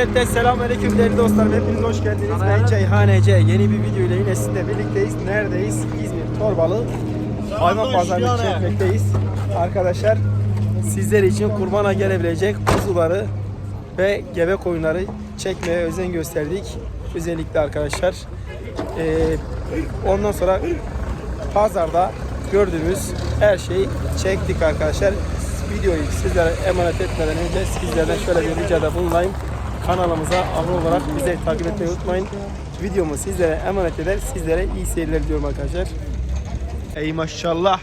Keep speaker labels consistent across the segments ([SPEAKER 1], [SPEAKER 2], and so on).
[SPEAKER 1] Öncelikle selamünaleyküm değerli dostlarım, hepiniz hoş geldiniz. Ben Ceyhan Ece. Yeni bir video ile yine sizinle birlikteyiz. Neredeyiz? İzmir Torbalı hayvan pazarını çekmekteyiz. Arkadaşlar sizler için kurbana gelebilecek kuzuları ve gebe koyunları çekmeye özen gösterdik. Özellikle arkadaşlar ondan sonra pazarda gördüğümüz her şeyi çektik arkadaşlar. Videoyu sizlere emanet etmeden önce sizlerden şöyle bir ricada bulunayım. Kanalımıza abone olarak bizi takip etmeyi unutmayın. Videomu sizlere emanet eder. Sizlere iyi seyirler diyorum arkadaşlar. Ey maşallah.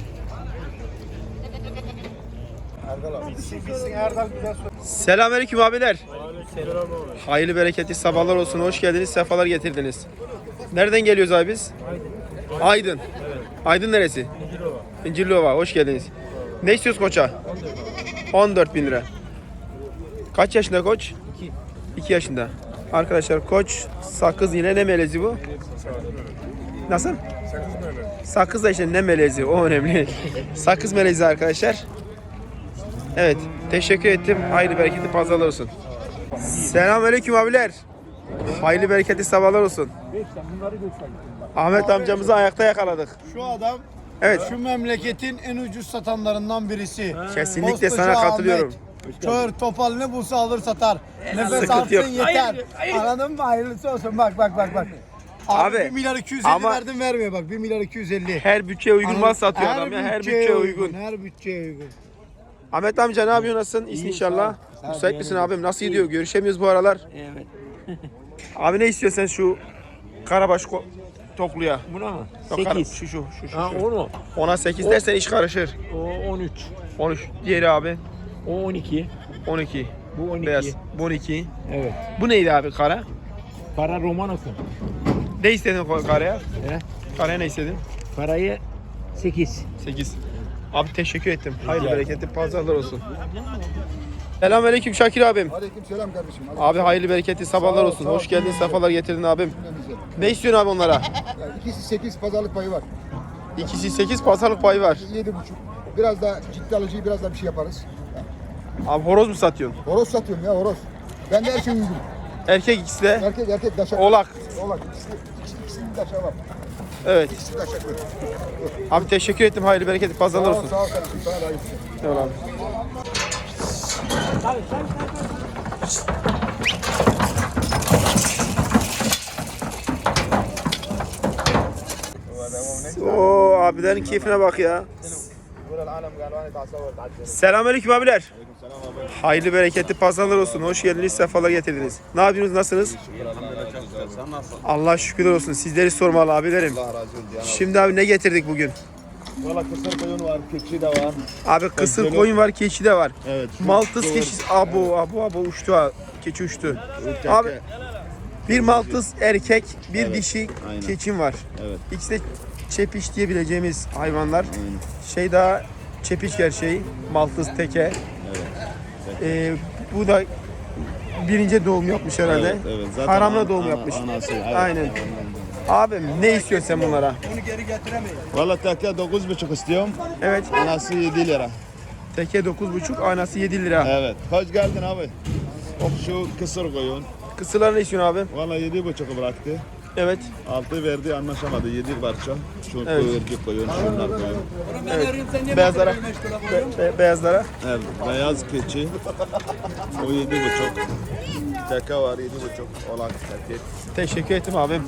[SPEAKER 1] Selamünaleyküm abiler. Hayırlı bereketli sabahlar olsun. Hoş geldiniz. Sefalar getirdiniz. Nereden geliyoruz abi biz? Aydın. Aydın neresi? İncirliova. Hoş geldiniz. Ne istiyoruz koça? 14.000 lira. Kaç yaşında koç? 2 yaşında. Arkadaşlar koç sakız, yine ne melezi bu? Nasıl? Sakız da işte ne melezi, o önemli. Sakız melezi arkadaşlar. Evet, teşekkür ettim. Hayırlı bereketli pazarlar olsun. Selamünaleyküm abiler. Hayırlı bereketli sabahlar olsun. Ahmet amcamızı ayakta yakaladık.
[SPEAKER 2] Şu adam,
[SPEAKER 1] evet,
[SPEAKER 2] şu memleketin en ucuz satanlarından birisi.
[SPEAKER 1] Kesinlikle
[SPEAKER 2] Postacı
[SPEAKER 1] sana katılıyorum.
[SPEAKER 2] Kör topal ne bulsa alır satar. Nefes
[SPEAKER 1] Sıkıntı
[SPEAKER 2] alsın
[SPEAKER 1] yok.
[SPEAKER 2] yeter. Anladın mı? Hayırlısı olsun. Bak. Abi 1 milyar 250
[SPEAKER 1] ama
[SPEAKER 2] verdim, vermiyor bak, 1 milyar 250.
[SPEAKER 1] her bütçeye uygun mal satıyor adam ya. Her bütçeye uygun.
[SPEAKER 2] Her bütçeye uygun.
[SPEAKER 1] Ahmet amca ne yapıyorsun? Nasılsın? İyisin inşallah. Müsait misin abim? Nasıl gidiyor? Görüşemiyoruz bu aralar.
[SPEAKER 3] Evet.
[SPEAKER 1] Abi ne istiyorsun şu karabaş tokluya?
[SPEAKER 3] Buna mı?
[SPEAKER 1] Yok,
[SPEAKER 3] 8.
[SPEAKER 1] Şu.
[SPEAKER 3] Ha onu.
[SPEAKER 1] Ona 8 dersen iş karışır.
[SPEAKER 3] O 13.
[SPEAKER 1] 13. Diğeri abi.
[SPEAKER 3] O 12.
[SPEAKER 1] 12.
[SPEAKER 3] Bu 12.
[SPEAKER 1] Beyaz. Bu 12.
[SPEAKER 3] Evet.
[SPEAKER 1] Bu neydi abi kara?
[SPEAKER 3] Para Romanos'un.
[SPEAKER 1] Ne istedin karaya?
[SPEAKER 3] He?
[SPEAKER 1] Karaya ne istedin?
[SPEAKER 3] Parayı 8.
[SPEAKER 1] 8. Abi teşekkür ettim. Hayırlı bereketli pazarlar olsun. Selamünaleyküm Şakir abim.
[SPEAKER 4] Aleykümselam kardeşim.
[SPEAKER 1] Abi hayırlı bereketli sabahlar olsun. Hoş geldin, sefalar getirdin abim. Ne istiyorsun abi onlara?
[SPEAKER 4] Yani ikisi 8 pazarlık payı var.
[SPEAKER 1] İkisi 8 pazarlık payı var.
[SPEAKER 4] 7,5. Biraz da ciddi alıcıyı biraz da bir şey yaparız.
[SPEAKER 1] Abi horoz mu satıyorsun?
[SPEAKER 4] Horoz satıyorum ya, horoz. Bende her şey uygun.
[SPEAKER 1] Erkek ikisi de.
[SPEAKER 4] Erkek daşak.
[SPEAKER 1] Oğlak.
[SPEAKER 4] Oğlak. İkisinin daşağı var.
[SPEAKER 1] Evet.
[SPEAKER 4] İkisi daşaklı.
[SPEAKER 1] Abi teşekkür ettim. Hayırlı bereketli pazarlar olsun.
[SPEAKER 4] Sağ ol kardeşim. Sana da hayırlısı.
[SPEAKER 1] Eyvallah abi. Oo abilerin keyfine bak ya. Selamünaleyküm abiler. Hayırlı bereketli pazarlar olsun. Hoş geldiniz, sefalar getirdiniz. Ne yapıyorsunuz, nasılsınız? Allah şükürler olsun. Sizleri sormalı abilerim. Şimdi abi ne getirdik bugün?
[SPEAKER 4] Valla kısır koyun var, keçi de var.
[SPEAKER 1] Abi kısır koyun var, keçi de var.
[SPEAKER 4] Evet.
[SPEAKER 1] Maltız keçisi. Abo uçtu ha. Keçi uçtu. Abi bir maltız erkek, bir dişi keçim var.
[SPEAKER 4] Evet.
[SPEAKER 1] İkisi de çepiş diyebileceğimiz hayvanlar.
[SPEAKER 4] Aynen.
[SPEAKER 1] Şey daha çepiş gerçeği, maltız teke. Bu da birinci doğum yapmış herhalde.
[SPEAKER 4] Evet. Zaten
[SPEAKER 1] Haramla doğum yapmış.
[SPEAKER 4] Anası. Evet.
[SPEAKER 1] Aynen. Abim ne istiyorsun sen bunlara?
[SPEAKER 4] Valla teke 9,5 istiyorum.
[SPEAKER 1] Evet.
[SPEAKER 4] Anası 7 lira.
[SPEAKER 1] Teke 9,5, aynası 7 lira.
[SPEAKER 4] Evet. Hoş geldin abi. Şu kısır koyun.
[SPEAKER 1] Kısırlar ne istiyorsun abi?
[SPEAKER 4] Valla 7,5 bıraktı.
[SPEAKER 1] Evet.
[SPEAKER 4] 6 verdi, anlaşamadı. 7 parça. Şu
[SPEAKER 1] Evet.
[SPEAKER 4] erkek koyun, şunlar koyun.
[SPEAKER 1] Beyazlara. Beyazlara.
[SPEAKER 4] Evet, beyaz keçi. O 7,5. Teke var 7,5. Olan erkek.
[SPEAKER 1] Teşekkür ettim abim.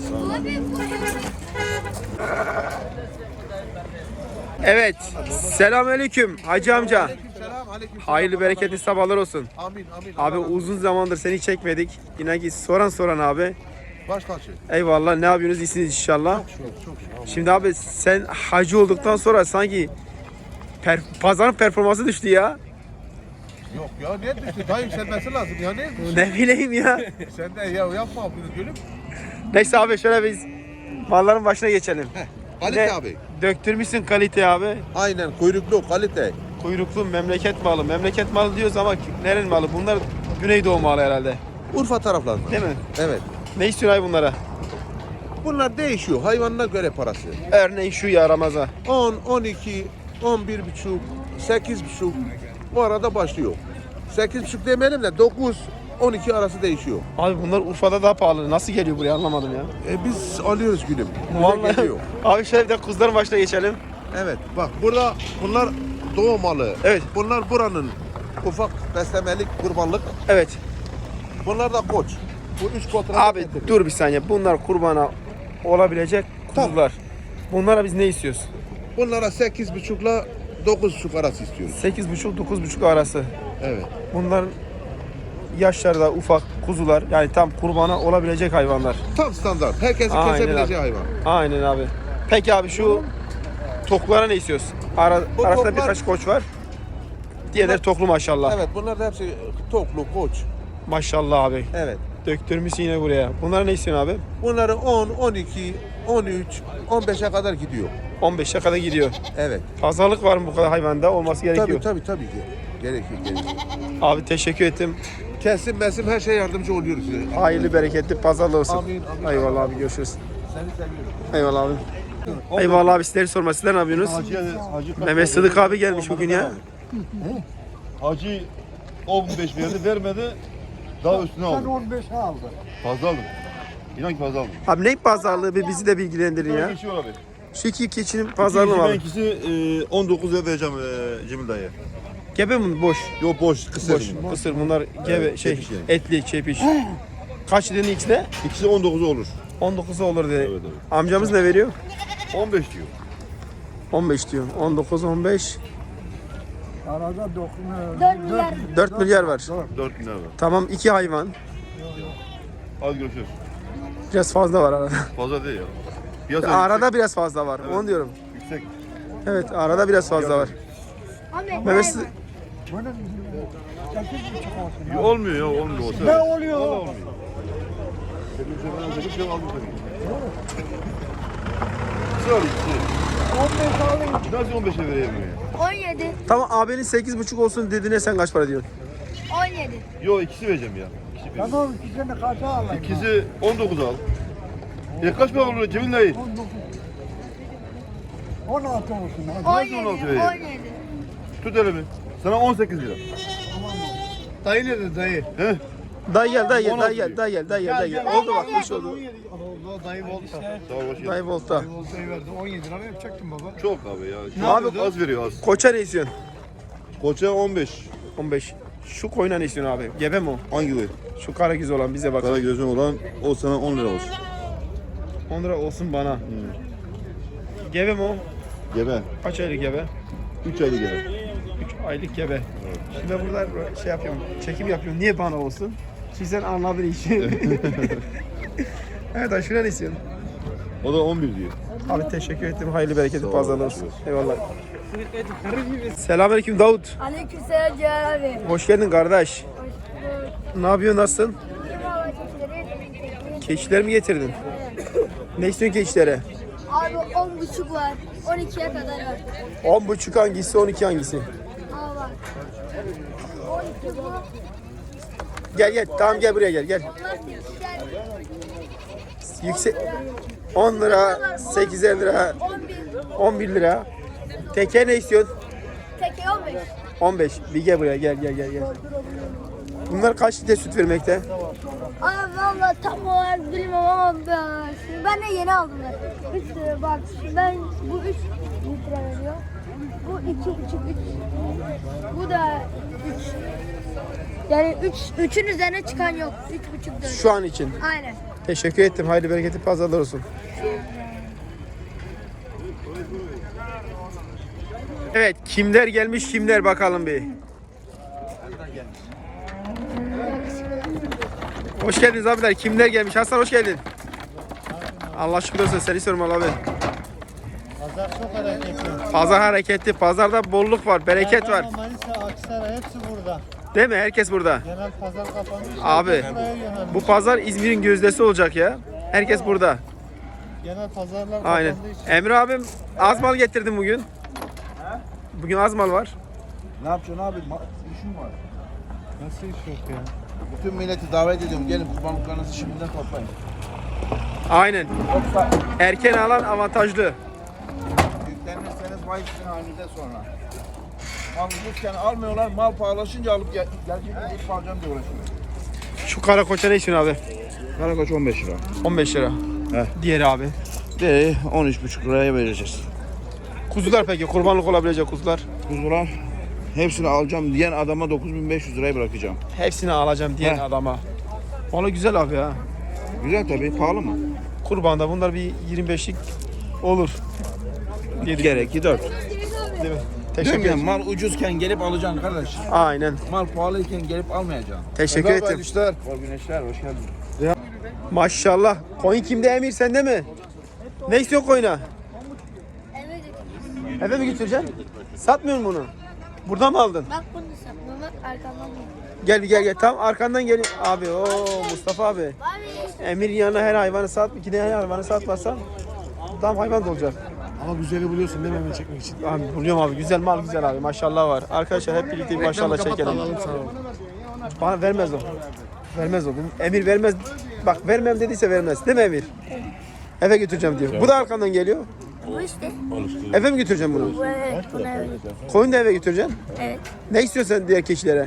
[SPEAKER 1] Evet. Selamünaleyküm Hacı amca. Hayırlı bereketli sabahlar olsun.
[SPEAKER 5] Amin.
[SPEAKER 1] Abi uzun zamandır seni çekmedik. Yine ki soran abi.
[SPEAKER 5] Baş tacı.
[SPEAKER 1] Eyvallah, ne yapıyorsunuz, iyisiniz inşallah.
[SPEAKER 5] Çok.
[SPEAKER 1] Şimdi abi sen hacı olduktan sonra sanki pazarın performansı düştü ya.
[SPEAKER 5] Yok ya ne düştü? Daha yükselmesi lazım ya ne düştü?
[SPEAKER 1] Ne bileyim ya.
[SPEAKER 5] Sen de ya yapma bunu gülüm.
[SPEAKER 1] Neyse abi şöyle biz malların başına geçelim.
[SPEAKER 5] Kalite
[SPEAKER 1] Ne?
[SPEAKER 5] abi.
[SPEAKER 1] Döktürmüşsün kalite abi.
[SPEAKER 5] Aynen kuyruklu kalite.
[SPEAKER 1] Kuyruklu memleket malı. Memleket malı diyoruz ama nerenin malı? Bunlar Güneydoğu malı herhalde.
[SPEAKER 5] Urfa taraflarında.
[SPEAKER 1] Değil mi?
[SPEAKER 5] Evet.
[SPEAKER 1] Ne istiyorsun abi bunlara?
[SPEAKER 5] Bunlar değişiyor hayvanına göre parası.
[SPEAKER 1] Örneğin şu ya Ramazan.
[SPEAKER 5] 10, 12, 11,5, 8,5 bu arada başlıyor. 8,5 demeyelim de 9, 12 arası değişiyor.
[SPEAKER 1] Abi bunlar Urfa'da daha pahalı. Nasıl geliyor buraya anlamadım ya.
[SPEAKER 5] Biz alıyoruz gülüm. Bize
[SPEAKER 1] Vallahi.
[SPEAKER 5] geliyor.
[SPEAKER 1] Abi şöyle bir de kuzuların başına geçelim.
[SPEAKER 5] Evet bak burada bunlar doğu malı.
[SPEAKER 1] Evet.
[SPEAKER 5] Bunlar buranın ufak beslemelik kurbanlık.
[SPEAKER 1] Evet.
[SPEAKER 5] Bunlar da koç. Bu 3 kotra
[SPEAKER 1] Abi dur bir saniye. Bunlar kurbana olabilecek kuzular. Bunlara biz ne istiyoruz?
[SPEAKER 5] Bunlara 8,5 ile 9,5 arası istiyoruz.
[SPEAKER 1] 8,5-9,5 arası.
[SPEAKER 5] Evet.
[SPEAKER 1] Bunların yaşları da ufak kuzular. Yani tam kurbana olabilecek hayvanlar.
[SPEAKER 5] Tam standart. Herkesin
[SPEAKER 1] Aynen
[SPEAKER 5] kesebileceği
[SPEAKER 1] abi.
[SPEAKER 5] hayvan.
[SPEAKER 1] Aynen abi. Peki abi şu toklara ne istiyoruz?
[SPEAKER 5] Bu
[SPEAKER 1] Arasında
[SPEAKER 5] toklar-
[SPEAKER 1] birkaç koç var. Diğerleri toklu maşallah.
[SPEAKER 5] Evet bunlar da hepsi toklu koç.
[SPEAKER 1] Maşallah abi.
[SPEAKER 5] Evet.
[SPEAKER 1] Döktürmüşsün yine buraya. Bunlara ne istiyorsun abi?
[SPEAKER 5] Bunları 10, 12, 13, 15'e kadar gidiyor.
[SPEAKER 1] 15'e kadar gidiyor.
[SPEAKER 5] Evet.
[SPEAKER 1] Pazarlık var mı bu kadar hayvanda? Olması gerekiyor.
[SPEAKER 5] Tabii ki. Gerekiyor.
[SPEAKER 1] Abi teşekkür ettim.
[SPEAKER 5] Kesim mesim her şey yardımcı oluyoruz size.
[SPEAKER 1] Hayırlı bereketli pazarlı olsun.
[SPEAKER 5] Amin.
[SPEAKER 1] Eyvallah abi görüşürüz.
[SPEAKER 5] Seni seviyorum.
[SPEAKER 1] Eyvallah abi. Eyvallah abi sizleri sorma. Sizler ne yapıyorsunuz? Mehmet Sıdık abi gelmiş bugün ya.
[SPEAKER 4] Hacı 15 verdi vermedi. Daha üstüne aldı.
[SPEAKER 2] 15'e aldı.
[SPEAKER 4] Fazla aldım. İnan ki fazla aldım.
[SPEAKER 1] Abi ne pazarlığı bir bizi de bilgilendirin ya.
[SPEAKER 4] Geçiyor abi.
[SPEAKER 1] Şu iki keçinin pazarlığı mı
[SPEAKER 4] Ben
[SPEAKER 1] abi?
[SPEAKER 4] ikisi 19 lira vereceğim Cemil dayı.
[SPEAKER 1] Gebe mi? Boş.
[SPEAKER 4] Yok boş kısır.
[SPEAKER 1] Boş. Kısır bunlar gebe
[SPEAKER 4] Evet,
[SPEAKER 1] şey
[SPEAKER 4] çepiş yani.
[SPEAKER 1] etli çepiş. Kaç dedin ikisi?
[SPEAKER 4] İkisi 19 olur.
[SPEAKER 1] 19'u olur dedi.
[SPEAKER 4] Evet, evet.
[SPEAKER 1] Amcamız ne veriyor?
[SPEAKER 4] 15 diyor.
[SPEAKER 1] 15 diyor. 19 15
[SPEAKER 2] Arada
[SPEAKER 6] 4 milyar.
[SPEAKER 1] 4 milyar var.
[SPEAKER 4] 4 bin lira var.
[SPEAKER 1] Tamam 2 hayvan.
[SPEAKER 4] Hadi görüşürüz.
[SPEAKER 1] Biraz fazla var arada.
[SPEAKER 4] Fazla değil ya. Piyasa
[SPEAKER 1] Arada biraz fazla var. Onu diyorum.
[SPEAKER 4] yüksek.
[SPEAKER 1] Evet arada biraz fazla var.
[SPEAKER 6] Ahmet.
[SPEAKER 1] Mehmet Sıdık.
[SPEAKER 2] bunun 8,5 olsun.
[SPEAKER 4] Ya, olmuyor ya olmuyor. O
[SPEAKER 2] Ne
[SPEAKER 4] sefer.
[SPEAKER 2] oluyor?
[SPEAKER 4] Vallahi olmuyor. Dedim ben dedim şey aldım seni. İkisi var ikisi.
[SPEAKER 2] 15 alayım.
[SPEAKER 4] Nasıl 15'e vereyim ya?
[SPEAKER 6] 17.
[SPEAKER 1] Tamam abinin 8,5 olsun dediğine sen kaç para diyorsun?
[SPEAKER 6] 17.
[SPEAKER 4] Yok ikisi vereceğim ya. İkisi vereceğim.
[SPEAKER 2] Tamam ikisini kaça alayım?
[SPEAKER 4] İkisi 19 al. Kaç para olur Cemil dayı?
[SPEAKER 2] 16 olsun.
[SPEAKER 6] 17.
[SPEAKER 4] 16 vereyim?
[SPEAKER 6] 17.
[SPEAKER 4] Tut elimi. Sana 18 lira.
[SPEAKER 5] Dayı nerede dayı?
[SPEAKER 4] He?
[SPEAKER 1] Dayı gel dayı gel
[SPEAKER 4] 16
[SPEAKER 1] dayı gel dayı gel dayı gel dayı gel. Oldu bak kuş oldu.
[SPEAKER 5] Oldu dayı oldu.
[SPEAKER 4] Sağ ol hoş geldin.
[SPEAKER 1] Dayı volta.
[SPEAKER 5] Voltayı verdi 17 lira yapacaktım baba.
[SPEAKER 4] Çok abi ya.
[SPEAKER 1] Ne yapıyordu?
[SPEAKER 4] Az veriyor az.
[SPEAKER 1] Koça ne istiyorsun?
[SPEAKER 4] Koça 15.
[SPEAKER 1] 15. Şu koyuna ne istiyorsun abi? Gebe mi o?
[SPEAKER 4] Hangi boy?
[SPEAKER 1] Şu kara göz olan bize bak.
[SPEAKER 4] Kara gözün olan o sana 10 lira olsun.
[SPEAKER 1] 10 lira olsun bana. Gebe mi o?
[SPEAKER 4] Gebe.
[SPEAKER 1] Kaç aylık gebe?
[SPEAKER 4] 3 aylık gebe.
[SPEAKER 1] 3 aylık gebe. Şimdi ben burada şey yapıyorum, çekim yapıyorum. Niye bana olsun? Şimdi sen anladın işi. Evet aşure ne istiyorsun?
[SPEAKER 4] O da 11 diyor.
[SPEAKER 1] Abi teşekkür ettim. Hayırlı bereketli
[SPEAKER 4] ol,
[SPEAKER 1] pazarlar olsun.
[SPEAKER 4] görüşürüz.
[SPEAKER 1] Eyvallah. Selamünaleyküm Davut.
[SPEAKER 6] Aleykümselam Cihan abi.
[SPEAKER 1] Hoş geldin kardeş. Ne yapıyorsun, nasılsın?
[SPEAKER 6] Kim hava keçileri?
[SPEAKER 1] Keçiler mi getirdin? Ne istiyorsun keçilere?
[SPEAKER 6] Abi 10,5 var. 12'ye kadar var.
[SPEAKER 1] 10,5 hangisi, 12 hangisi?
[SPEAKER 6] Aa var. 12 bu.
[SPEAKER 1] Gel gel, tamam gel buraya gel. Gel.
[SPEAKER 6] Bunlar 8'ler.
[SPEAKER 1] Yüksek 10 lira, 8'er lira,
[SPEAKER 6] 11.
[SPEAKER 1] 11 lira. Teke ne istiyorsun?
[SPEAKER 6] Teke 15.
[SPEAKER 1] 15. Bir gel buraya gel gel gel gel. Bunlar kaç litre süt vermekte?
[SPEAKER 6] Abi valla tam olarak bilmem ama ben de yeni aldım. 3 lira bak ben bu 3 litre veriyor. Bu 2,5 3. Bu da 3. Yani 3'ün üzerine çıkan yok. 3,5 4.
[SPEAKER 1] Şu an için.
[SPEAKER 6] Aynen.
[SPEAKER 1] Teşekkür ettim. Hayırlı bereketli pazarlar olsun. Evet, kimler gelmiş kimler bakalım bir. Hoş geldiniz abiler. Kimler gelmiş? Hasan hoş geldin. Allah şükür olsun. Seni sormalı abi.
[SPEAKER 2] Pazar çok hareketli.
[SPEAKER 1] Pazar hareketli. Pazarda bolluk var, bereket var.
[SPEAKER 2] Manisa, Aksaray hepsi burada.
[SPEAKER 1] Değil mi? Herkes burada.
[SPEAKER 2] Genel pazar kapanmış.
[SPEAKER 1] Abi,
[SPEAKER 2] Buraya yönelmiş.
[SPEAKER 1] bu pazar İzmir'in gözdesi olacak ya. Herkes burada.
[SPEAKER 2] Genel pazarlar
[SPEAKER 1] Aynen.
[SPEAKER 2] kapandığı için.
[SPEAKER 1] Emre abim az mal getirdim bugün. Bugün az mal var.
[SPEAKER 5] Ne yapacaksın abi? İşim var.
[SPEAKER 2] Nasıl iş yok ya?
[SPEAKER 5] Bütün milleti davet ediyorum. Gelin kurbanlıklarınızı şimdiden toplayın.
[SPEAKER 1] Aynen. Erken alan avantajlı.
[SPEAKER 5] Yüklenirseniz vay sizin halinize sonra. Mal bulurken almıyorlar. Mal pahalaşınca alıp gelecek ilk alacağım diye uğraşıyor.
[SPEAKER 1] Şu kara koça ne istiyorsun abi?
[SPEAKER 4] Karakoç 15 lira.
[SPEAKER 1] 15 lira.
[SPEAKER 4] Heh.
[SPEAKER 1] Diğeri abi.
[SPEAKER 4] De 13,5 liraya vereceğiz.
[SPEAKER 1] Kuzular peki kurbanlık olabilecek kuzular.
[SPEAKER 4] Kuzular hepsini alacağım diyen adama 9500 liraya bırakacağım.
[SPEAKER 1] Hepsini alacağım diyen
[SPEAKER 4] Heh.
[SPEAKER 1] adama. Valla güzel abi ya.
[SPEAKER 4] Güzel tabii, pahalı mı?
[SPEAKER 1] Kurbanda bunlar bir 25'lik olur. Diye
[SPEAKER 4] Gerekli 4.
[SPEAKER 1] Değil mi?
[SPEAKER 7] Değil
[SPEAKER 1] Teşekkür
[SPEAKER 7] mi?
[SPEAKER 1] ederim.
[SPEAKER 7] Mal ucuzken gelip alacaksın kardeş.
[SPEAKER 1] Aynen.
[SPEAKER 7] Mal pahalıyken gelip almayacaksın.
[SPEAKER 1] Teşekkür ederim.
[SPEAKER 4] işler. Bol güneşler, hoş geldin.
[SPEAKER 1] Maşallah. Koyun kimde Emir sende mi? Ne istiyorsun koyuna?
[SPEAKER 6] Eve götür.
[SPEAKER 1] Eve mi götüreceksin? Satmıyor musun bunu? Burada mı aldın?
[SPEAKER 6] Bak bunu satma. Bak arkamdan bunu.
[SPEAKER 1] Gel. Tam arkandan gel. Abi o Mustafa abi.
[SPEAKER 6] Abi.
[SPEAKER 1] Emir yanına her hayvanı sat. İki de her hayvanı satmazsan tam hayvan da olacak.
[SPEAKER 2] Ama güzeli buluyorsun değil mi hemen çekmek için?
[SPEAKER 1] Abi buluyorum abi. Güzel mal güzel abi. Maşallah var. Arkadaşlar hep birlikte bir maşallah çekelim. Bana vermez o. Vermez o. Emir vermez. Bak vermem dediyse vermez. Değil mi Emir? Eve götüreceğim diyor. Bu da arkandan geliyor.
[SPEAKER 6] Bu işte.
[SPEAKER 1] Eve mi götüreceğim bunu?
[SPEAKER 6] Bu evet. Bunu eve götür.
[SPEAKER 1] Koyun da eve götüreceksin.
[SPEAKER 6] Evet.
[SPEAKER 1] Ne istiyorsun sen diğer keçilere?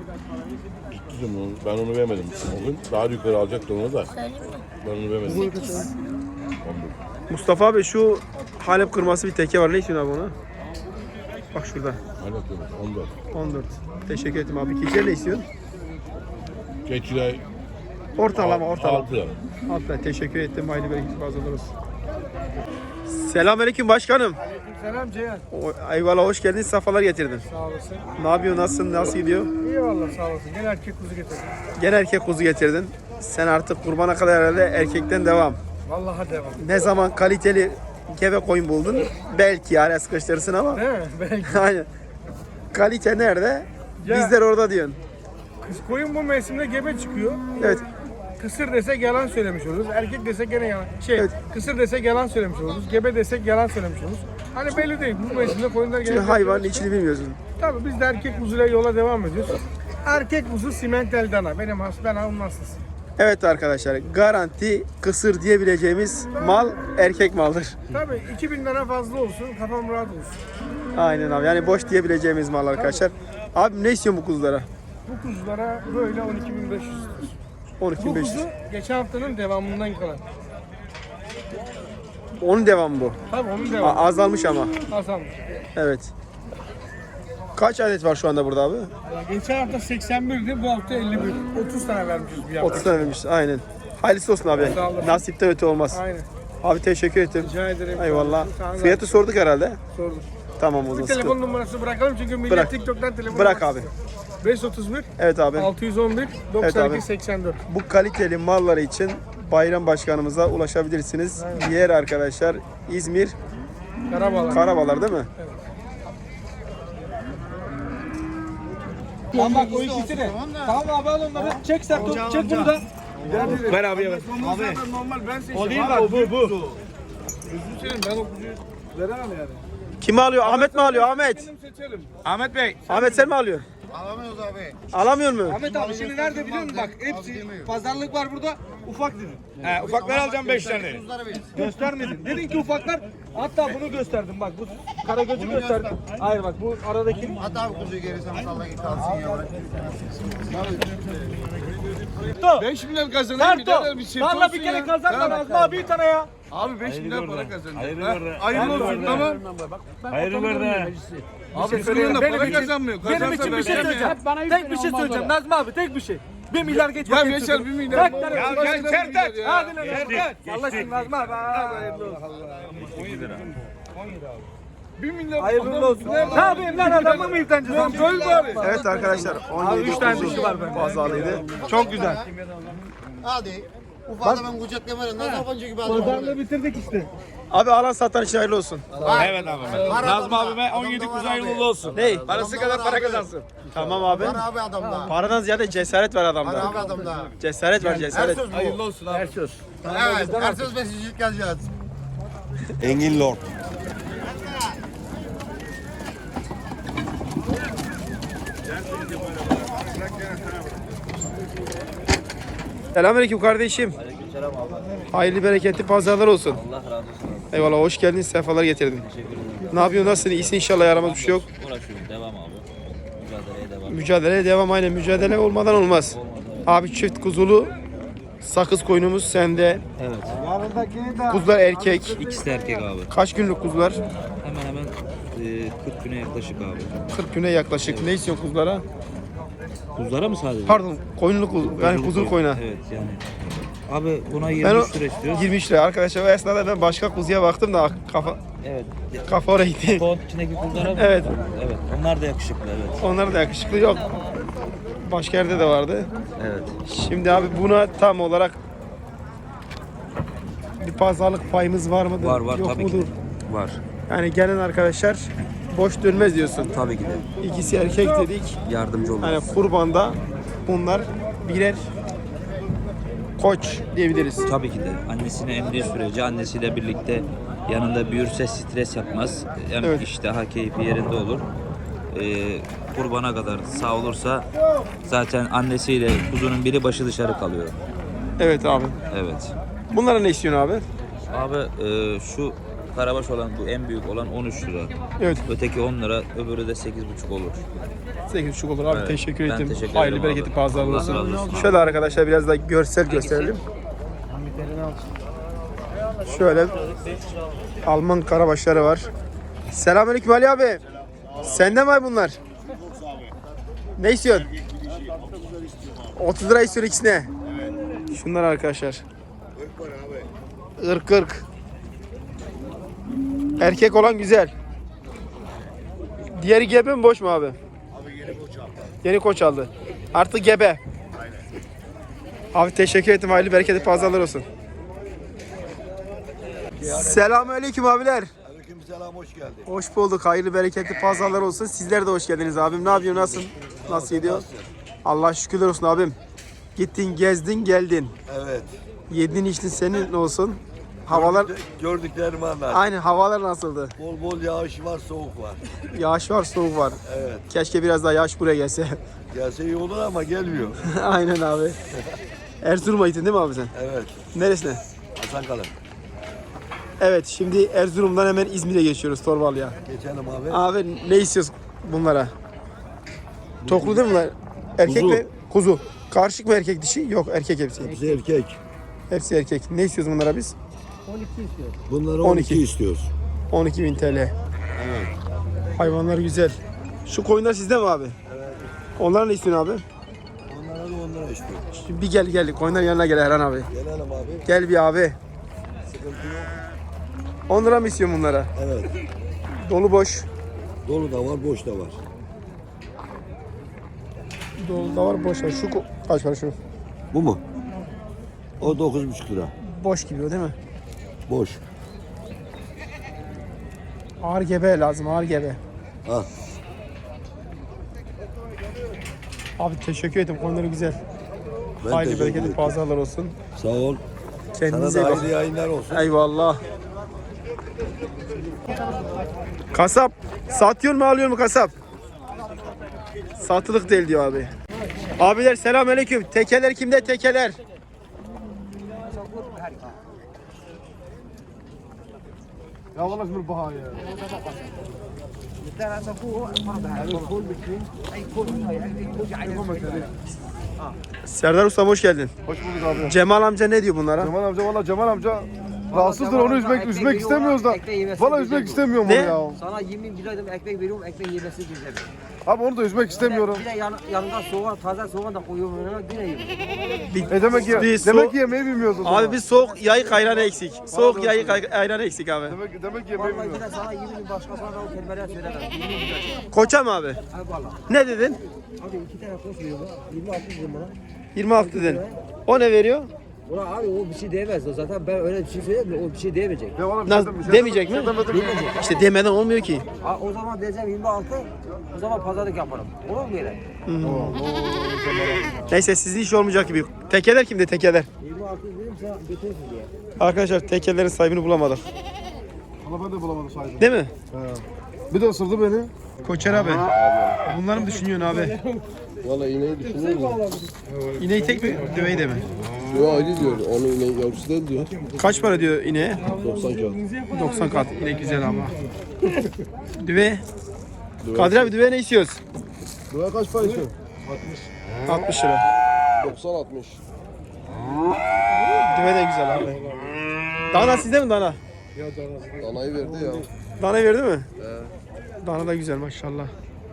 [SPEAKER 8] Ben onu vermedim. O gün daha yukarı alacaktı onu da.
[SPEAKER 6] Söyleyeyim mi?
[SPEAKER 8] Ben onu vermedim.
[SPEAKER 1] Mustafa abi şu Halep kırması bir teke var. Ne istiyorsun abi ona? Bak şurada.
[SPEAKER 8] Hala diyorum. 14.
[SPEAKER 1] 14. Teşekkür ederim abi. Keçiler ne istiyorsun?
[SPEAKER 8] Geçiler
[SPEAKER 1] Ortalama.
[SPEAKER 8] 6.
[SPEAKER 1] Hatta teşekkür ettim. Hayırlı bereketli fazlalar olsun. Selamünaleyküm başkanım.
[SPEAKER 2] Selam Ceyhan.
[SPEAKER 1] Eyvallah hoş geldin. Safalar getirdin.
[SPEAKER 2] Sağ olasın.
[SPEAKER 1] Ne yapıyorsun? Nasılsın? Nasıl gidiyor?
[SPEAKER 2] İyi valla sağ olasın. Gel erkek kuzu getirdim.
[SPEAKER 1] Gene erkek kuzu getirdin. Sen artık kurbana kadar herhalde erkekten devam.
[SPEAKER 2] Vallahi devam.
[SPEAKER 1] Ne zaman kaliteli gebe koyun buldun? Belki araya sıkıştırırsın ama.
[SPEAKER 2] Değil mi? Belki.
[SPEAKER 1] Aynen. Kalite nerede?
[SPEAKER 2] Ya.
[SPEAKER 1] Bizler orada diyorsun.
[SPEAKER 2] Koyun bu mevsimde gebe çıkıyor.
[SPEAKER 1] Evet.
[SPEAKER 2] Kısır desek yalan söylemiş oluruz. Erkek desek gene yalan.
[SPEAKER 1] Evet.
[SPEAKER 2] Kısır desek yalan söylemiş oluruz. Gebe desek yalan söylemiş oluruz. Hani belli değil. Bu mevsimde koyunlar
[SPEAKER 1] Çünkü
[SPEAKER 2] gene...
[SPEAKER 1] hayvanın içini bilmiyorsun.
[SPEAKER 2] Tabii biz de erkek kuzuyla yola devam ediyoruz. Erkek kuzu simentel dana. Ben onun hastası.
[SPEAKER 1] Evet arkadaşlar garanti kısır diyebileceğimiz mal erkek maldır.
[SPEAKER 2] Tabii 2000 lira fazla olsun. Kafam rahat olsun.
[SPEAKER 1] Aynen abi yani boş diyebileceğimiz mal arkadaşlar. Abi ne istiyorsun bu kuzulara?
[SPEAKER 2] Bu kuzulara böyle 12.500 istiyoruz. Bu
[SPEAKER 1] 12.500.
[SPEAKER 2] kuzu geçen haftanın devamından kalan.
[SPEAKER 1] Onun devamı bu.
[SPEAKER 2] Tabii onun devamı.
[SPEAKER 1] Azalmış ama.
[SPEAKER 2] Hasan.
[SPEAKER 1] Evet. Kaç adet var şu anda burada abi?
[SPEAKER 2] Geçen hafta 81'di, bu hafta 51. 30 tane vermişiz bir hafta.
[SPEAKER 1] 30 tane vermiş. Aynen. Hayırlısı olsun abi.
[SPEAKER 2] Sağ olasın.
[SPEAKER 1] Nasipten öte olmaz.
[SPEAKER 2] Aynen.
[SPEAKER 1] Abi teşekkür ettim.
[SPEAKER 2] Rica ederim.
[SPEAKER 1] Eyvallah.
[SPEAKER 2] Sana da
[SPEAKER 1] Fiyatı sorduk herhalde.
[SPEAKER 2] sordum.
[SPEAKER 1] Tamam o
[SPEAKER 2] Bir
[SPEAKER 1] zaman.
[SPEAKER 2] telefon
[SPEAKER 1] sıkıntı.
[SPEAKER 2] numarası bırakalım çünkü millet
[SPEAKER 1] Bırak.
[SPEAKER 2] TikTok'tan telefon
[SPEAKER 1] Bırak
[SPEAKER 2] numarası
[SPEAKER 1] abi.
[SPEAKER 2] istiyor. 531
[SPEAKER 1] Evet abi.
[SPEAKER 2] 611
[SPEAKER 1] Evet
[SPEAKER 2] 92
[SPEAKER 1] abi.
[SPEAKER 2] 84.
[SPEAKER 1] Bu kaliteli malları için Bayram Başkanımıza ulaşabilirsiniz. Yer arkadaşlar İzmir
[SPEAKER 2] Karabalar.
[SPEAKER 1] Karabalar değil mi?
[SPEAKER 2] Tamam bak o ikisini. Tamam abi al onları. Çek sen çek bunu da.
[SPEAKER 7] Ver abiye ver.
[SPEAKER 2] Abi. Normal ben seçtim.
[SPEAKER 7] O değil bak bu.
[SPEAKER 2] Gözünü seveyim ben o kuzuyu veremem yani.
[SPEAKER 1] Kim alıyor? Ahmet mi alıyor? Ahmet.
[SPEAKER 2] Kendim seçerim.
[SPEAKER 7] Ahmet Bey.
[SPEAKER 1] Ahmet sen mi alıyorsun?
[SPEAKER 5] Alamıyoruz abi.
[SPEAKER 1] Alamıyor mu?
[SPEAKER 2] Ahmet abi şimdi nerede biliyor musun bak hepsi pazarlık var burada ufak dedin.
[SPEAKER 7] He, ufakları alacağım 5 tane.
[SPEAKER 2] Göstermedin. Dedin ki ufaklar hatta bunu gösterdim bak bu kara gözü gösterdim. Hayır bak bu aradaki
[SPEAKER 5] At abi kuzuyu geri sana salla git kalsın ya. Bırak.
[SPEAKER 7] 5 milyon kazanayım birader bir şey
[SPEAKER 2] Valla bir kere kazanma lazım abi bir tane ya.
[SPEAKER 7] Abi 5 milyon para kazandım.
[SPEAKER 2] Hayırlı olsun tamam.
[SPEAKER 3] Hayırlı ver.
[SPEAKER 7] Abi senin de para kazanmıyor.
[SPEAKER 2] Benim için bir şey söyleyeceğim. Tek bir şey söyleyeceğim Nazım abi tek bir şey. 1 milyar geç.
[SPEAKER 7] Ya Yaşar 1 milyar.
[SPEAKER 2] Ya gel Sertaç. Hadi lan Sertaç. Allah aşkına Nazım abi. Hayırlı olsun.
[SPEAKER 7] 1 milyar.
[SPEAKER 2] Hayırlı olsun. Ne yapayım lan adamı mı yıkanacağız? Göl bari.
[SPEAKER 1] Evet arkadaşlar 17
[SPEAKER 2] 3 tane
[SPEAKER 1] kuzu
[SPEAKER 2] dişi var bende.
[SPEAKER 1] pazarlıydı.
[SPEAKER 2] Çok güzel.
[SPEAKER 5] Hadi. Ufada ben kucak yemerim. Nasıl yabancı gibi adam.
[SPEAKER 2] Pazarlığı bitirdik işte.
[SPEAKER 1] Abi alan satan için hayırlı olsun.
[SPEAKER 7] Evet abi. Nazım abime 17 kuzu hayırlı olsun.
[SPEAKER 1] Ney?
[SPEAKER 7] Parası kadar para kazansın.
[SPEAKER 1] Tamam abi.
[SPEAKER 5] Var abi adamda.
[SPEAKER 1] Paradan ziyade cesaret var
[SPEAKER 5] Var
[SPEAKER 1] adamda.
[SPEAKER 5] abi adamda.
[SPEAKER 1] Cesaret var
[SPEAKER 5] Her
[SPEAKER 1] cesaret.
[SPEAKER 5] söz bu.
[SPEAKER 7] Hayırlı olsun abi.
[SPEAKER 5] Evet. Her söz mesajcılık geleceğiz.
[SPEAKER 4] Engin Lord.
[SPEAKER 1] Selamünaleyküm kardeşim.
[SPEAKER 9] Aleykümselam abi.
[SPEAKER 1] Hayırlı bereketli pazarlar olsun.
[SPEAKER 9] Allah razı olsun abi.
[SPEAKER 1] Eyvallah hoş geldin. Sefalar getirdin.
[SPEAKER 9] Teşekkür ederim.
[SPEAKER 1] Ne yapıyorsun? Nasılsın? İyisin inşallah yaramaz bir şey yok.
[SPEAKER 9] Uğraşıyorum. Devam abi. Mücadeleye devam.
[SPEAKER 1] Mücadeleye devam aynen. Mücadele olmadan olmaz. Abi çift kuzulu sakız koyunumuz sende.
[SPEAKER 2] Evet.
[SPEAKER 1] Kuzular erkek.
[SPEAKER 2] İkisi de erkek abi.
[SPEAKER 1] Kaç günlük kuzular?
[SPEAKER 2] Hemen hemen 40 güne yaklaşık abi.
[SPEAKER 1] 40 güne yaklaşık. Ne istiyorsun kuzulara?
[SPEAKER 2] Kuzulara mı sadece?
[SPEAKER 1] Pardon, koyunlu kuzu. Yani kuzulu koyuna.
[SPEAKER 2] Evet yani. Abi buna
[SPEAKER 1] Ben
[SPEAKER 2] 23
[SPEAKER 1] o
[SPEAKER 2] lira istiyoruz.
[SPEAKER 1] 23 lira. Arkadaşlar o esnada ben başka kuzuya baktım da
[SPEAKER 2] Evet.
[SPEAKER 1] kafa oraya gitti.
[SPEAKER 2] Ton içindeki kuzulara mı?
[SPEAKER 1] Evet.
[SPEAKER 2] Evet. Onlar da yakışıklı evet.
[SPEAKER 1] Onlar da yakışıklı yok. Başka yerde de vardı.
[SPEAKER 2] Evet.
[SPEAKER 1] Şimdi abi buna tam olarak bir pazarlık payımız var mıdır?
[SPEAKER 2] Var
[SPEAKER 1] Yok
[SPEAKER 2] tabii
[SPEAKER 1] mudur?
[SPEAKER 2] ki. Var.
[SPEAKER 1] Yani gelen arkadaşlar boş dönmez diyorsun.
[SPEAKER 2] Tabii ki de.
[SPEAKER 1] İkisi erkek dedik.
[SPEAKER 2] Yardımcı oluruz.
[SPEAKER 1] Hani kurbanda bunlar birer koç diyebiliriz.
[SPEAKER 2] Tabii ki de. Annesini emdiği sürece annesiyle birlikte yanında büyürse stres yapmaz. Hem
[SPEAKER 1] Evet.
[SPEAKER 2] iştaha keyfi yerinde olur. Kurbana kadar sağ olursa zaten annesiyle kuzunun biri başı dışarı kalıyor.
[SPEAKER 1] Evet abi.
[SPEAKER 2] Evet.
[SPEAKER 1] Bunlara ne istiyorsun abi?
[SPEAKER 2] Abi şu karabaş olan bu en büyük olan 13 lira.
[SPEAKER 1] Evet.
[SPEAKER 2] Öteki 10 lira, öbürü de 8,5 olur.
[SPEAKER 1] 8,5 olur abi.
[SPEAKER 2] Evet.
[SPEAKER 1] Teşekkür
[SPEAKER 2] Ben
[SPEAKER 1] ederim.
[SPEAKER 2] teşekkür
[SPEAKER 1] Hayırlı
[SPEAKER 2] ederim
[SPEAKER 1] bereketli
[SPEAKER 2] abi.
[SPEAKER 1] pazarlar
[SPEAKER 2] Allah
[SPEAKER 1] olsun.
[SPEAKER 2] razı olsun.
[SPEAKER 1] Şöyle arkadaşlar biraz da görsel gösterelim. Şöyle Alman karabaşları var. Selamünaleyküm Ali abi. Sende mi var bunlar? Ne istiyorsun? 30 lira istiyor ikisine. Şunlar arkadaşlar. 40. Erkek olan güzel. Diğeri gebe mi boş mu abi? Yeni koç aldı. Artık gebe. Abi teşekkür ederim. Hayırlı bereketli pazarlar olsun. Selamünaleyküm abiler.
[SPEAKER 4] Aleykümselam, hoş geldin.
[SPEAKER 1] Hoş bulduk. Hayırlı bereketli pazarlar olsun. Sizler de hoş geldiniz abim. Ne yapıyorsun? Nasılsın? Nasıl gidiyor? Allah şükürler olsun abim. Gittin, gezdin, geldin.
[SPEAKER 4] Evet.
[SPEAKER 1] Yedin, içtin senin olsun. Havalar
[SPEAKER 4] Gördüklerimi anlat.
[SPEAKER 1] aynı havalar nasıldı?
[SPEAKER 4] Bol bol yağış var, soğuk var.
[SPEAKER 1] Yağış var, soğuk var.
[SPEAKER 4] Evet.
[SPEAKER 1] Keşke biraz daha yağış buraya gelse.
[SPEAKER 4] Gelse iyi olur ama gelmiyor.
[SPEAKER 1] Aynen abi. Erzurum'a gittin değil mi abi sen?
[SPEAKER 4] Evet.
[SPEAKER 1] Neresine?
[SPEAKER 4] Hasan Kalın.
[SPEAKER 1] Evet, şimdi Erzurum'dan hemen İzmir'e geçiyoruz Torbalı'ya.
[SPEAKER 4] Geçelim abi.
[SPEAKER 1] Abi ne istiyoruz bunlara? Toklu değil mi bunlar? Erkek
[SPEAKER 4] Kuzu.
[SPEAKER 1] mi? Kuzu. Karışık mı erkek dişi? Yok, erkek hepsi.
[SPEAKER 4] Hepsi erkek.
[SPEAKER 1] Hepsi erkek. Ne istiyoruz bunlara biz?
[SPEAKER 4] Bunları
[SPEAKER 1] 12
[SPEAKER 4] 12 istiyoruz.
[SPEAKER 1] 12.000 TL. Hayvanlar güzel. Şu koyunlar sizde mi abi? Evet. Onlara ne istiyorsun abi?
[SPEAKER 4] Onlara da 10 lira istiyoruz.
[SPEAKER 1] Şimdi bir gel. Koyunların yanına gel Erhan abi.
[SPEAKER 4] Gelelim abi.
[SPEAKER 1] Gel bir abi.
[SPEAKER 4] Sıkıntı yok.
[SPEAKER 1] 10 lira mı istiyorsun bunlara?
[SPEAKER 4] Evet.
[SPEAKER 1] Dolu boş.
[SPEAKER 4] Dolu da var, boş da var.
[SPEAKER 1] Dolu da var, boş var. Şu kaç para şu?
[SPEAKER 4] Bu mu? O 9,5 lira.
[SPEAKER 1] Boş gibi o değil mi?
[SPEAKER 4] Boş.
[SPEAKER 1] Ağır gebe lazım, ağır gebe.
[SPEAKER 4] Al.
[SPEAKER 1] Abi teşekkür ederim. Konuları güzel.
[SPEAKER 4] Ben
[SPEAKER 1] Hayırlı
[SPEAKER 4] teşekkür
[SPEAKER 1] bereketli
[SPEAKER 4] ederim.
[SPEAKER 1] pazarlar olsun.
[SPEAKER 4] Sağ ol. Sana
[SPEAKER 1] Kendinize
[SPEAKER 4] da
[SPEAKER 1] iyi bakın.
[SPEAKER 4] hayırlı yayınlar olsun.
[SPEAKER 1] Eyvallah. Kasap satıyor mu alıyor mu kasap? Satılık değil diyor abi. Abiler selamünaleyküm. Tekeler kimde tekeler?
[SPEAKER 5] Ya valla şimdi baha ya.
[SPEAKER 1] Serdar Usta hoş geldin.
[SPEAKER 5] Hoş bulduk abi.
[SPEAKER 1] Cemal amca ne diyor bunlara?
[SPEAKER 5] Cemal amca valla Cemal amca rahatsızdır, onu üzmek istemiyoruz da. Valla üzmek istemiyorum onu
[SPEAKER 1] Ne?
[SPEAKER 5] ya.
[SPEAKER 10] Sana 20 kilo ekmek veriyorum, ekmek yemesi güzel.
[SPEAKER 5] Abi onu da üzmek istemiyorum.
[SPEAKER 10] Bir de yanında soğan, taze soğan da koyuyorum önüme, yine yiyorum.
[SPEAKER 5] Demek ki
[SPEAKER 1] Biz
[SPEAKER 5] demek ki yemeği bilmiyoruz o zaman.
[SPEAKER 1] Abi biz soğuk yayık ayranı eksik. Soğuk yayık ayranı eksik abi.
[SPEAKER 5] Demek ki yemeği
[SPEAKER 10] Vallahi
[SPEAKER 5] bilmiyoruz.
[SPEAKER 10] yine sana 20 bin başkasına da o kelimeler söylemem. 20 bin.
[SPEAKER 1] Koça mı abi?
[SPEAKER 10] Abi valla.
[SPEAKER 1] Ne dedin?
[SPEAKER 10] Abi 2 tane koş veriyorum. 26 dedim bana.
[SPEAKER 1] 26 dedin. O ne veriyor?
[SPEAKER 10] Ulan abi o bir şey diyemez o zaten, ben öyle bir şey söyleyeyim de o bir şey diyemeyecek.
[SPEAKER 5] Ya valla bir
[SPEAKER 1] Nasıl,
[SPEAKER 5] şey
[SPEAKER 1] demeyecek mi?
[SPEAKER 10] Diyemeyecek.
[SPEAKER 1] İşte demeden olmuyor ki.
[SPEAKER 10] O zaman diyeceğim 26, o zaman pazarlık yaparım. Olur mu böyle?
[SPEAKER 1] Neyse sizin iş olmayacak gibi. Tekeler kimde tekeler?
[SPEAKER 10] 26 dedim sana götürürsün diye.
[SPEAKER 1] Arkadaşlar tekelerin sahibini bulamadık.
[SPEAKER 5] Valla ben de bulamadım sahibi.
[SPEAKER 1] Değil mi?
[SPEAKER 5] Bir de ısırdı beni.
[SPEAKER 1] Koçer abi. Bunları mı düşünüyorsun abi?
[SPEAKER 8] Valla ineği düşünüyor mu?
[SPEAKER 1] İneği tek mi? Düveyi de mi?
[SPEAKER 8] Yo ayrı diyor. Onu ineği yavrusu değil diyor.
[SPEAKER 1] Kaç para diyor ineğe?
[SPEAKER 8] 90 kağıt.
[SPEAKER 1] 90 kat. İnek güzel ama. Düve. Kadir abi düve ne istiyoruz?
[SPEAKER 5] Buraya kaç para içiyor?
[SPEAKER 1] 60 lira.
[SPEAKER 8] 90-60.
[SPEAKER 1] Düve de güzel abi. Dana sizde mi dana?
[SPEAKER 8] Danayı verdi ya.
[SPEAKER 1] Dana verdi mi? Dana da güzel maşallah.